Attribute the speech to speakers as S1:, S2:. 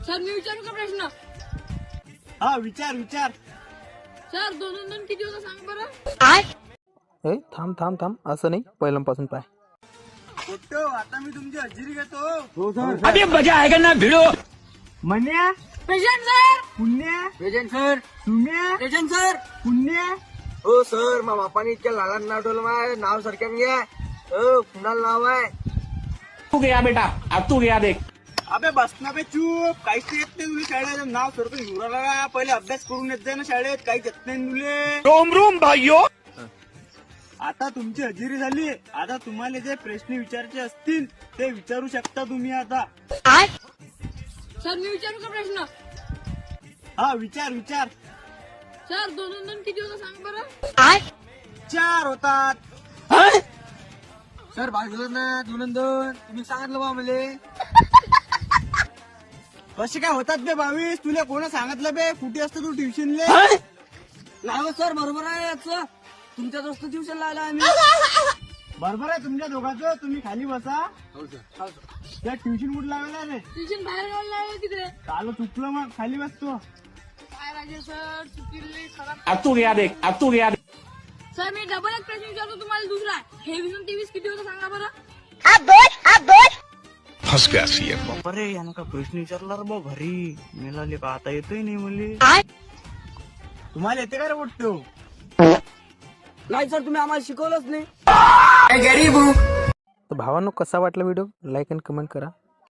S1: Sir मी विचारू का प्रश्न?
S2: हा विचार विचार.
S1: सर 2 2 2 किती होतं सांग बरं.
S3: थांब थांब थांब, असं नाही, पहिल्यापासून पाय.
S2: फोटो आता मी तुमची हजेरी घेतो. हो
S4: अभी मजा आएगा ना भिड़ो.
S2: Manya
S1: present sir.
S2: Punya
S4: present sir.
S2: Sumya
S4: present sir.
S2: Punya.
S4: हो सर, मा बापाने इतक्या लहान नाव ठेवलं. माय नाव सरक्यान घ्या. हो कुणाल नाव आहे.
S5: तू गया बेटा, अब तू गया देख.
S2: अबे बस ना बे चूप. काहीच येत नाही तुला शाळेत. नाव सरकून घेऊन राहिला. पहिले अभ्यास करून येत जाय ना शाळेत. काहीच येत नाही तुले.
S5: रोम रोम भाइयों.
S2: आता तुमची हजेरी झाली. आता तुम्हाला जे प्रश्न विचारायचे असतील ते विचारू शकता तुम्ही आता.
S1: सर मी विचारू का प्रश्न?
S2: हा विचार विचार.
S1: सर 2 2 2 किती होतं सांग बरं.
S2: 4 होतात.
S4: सर बाजूला ना 2 2 2. तुम्ही सांगितलं बा मले.
S2: कसे काय होतात बे 22? तुला कोण सांगितलं बे? कुठे असतो तू ट्युशनले?
S4: नाही सर, बरोबर आहे याचं. तुमच्या दोस्त ट्युशन लावला आम्ही.
S2: बरोबर आहे तुमच्या दोघांचं. तुम्ही खाली बसा.
S4: हो सर.
S2: त्या ट्युशन कुठे लावायला रे?
S1: ट्युशन बाहेर गावला आहे तिकडे.
S2: चालू चुकलं मग. खाली बसतो.
S1: काय राजे सर चुकीले खराब.
S5: अब तू गया देख, अब तू गया देख.
S1: सर मी डबल एक प्रश्न विचारतो तुम्हाला दुसरा. हे 20 23 किती होतं सांगा बरं.
S2: अरे यानं का प्रश्न विचारला रे बा घरी. मिळाले का आता येतोय नाही मुली. तुम्हाला येते का रे वाटतो?
S4: नाही सर, तुम्ही आम्हाला शिकवलंच नाही.
S3: तर भावांनो, कसा वाटला व्हिडिओ? लाईक आणि कमेंट करा.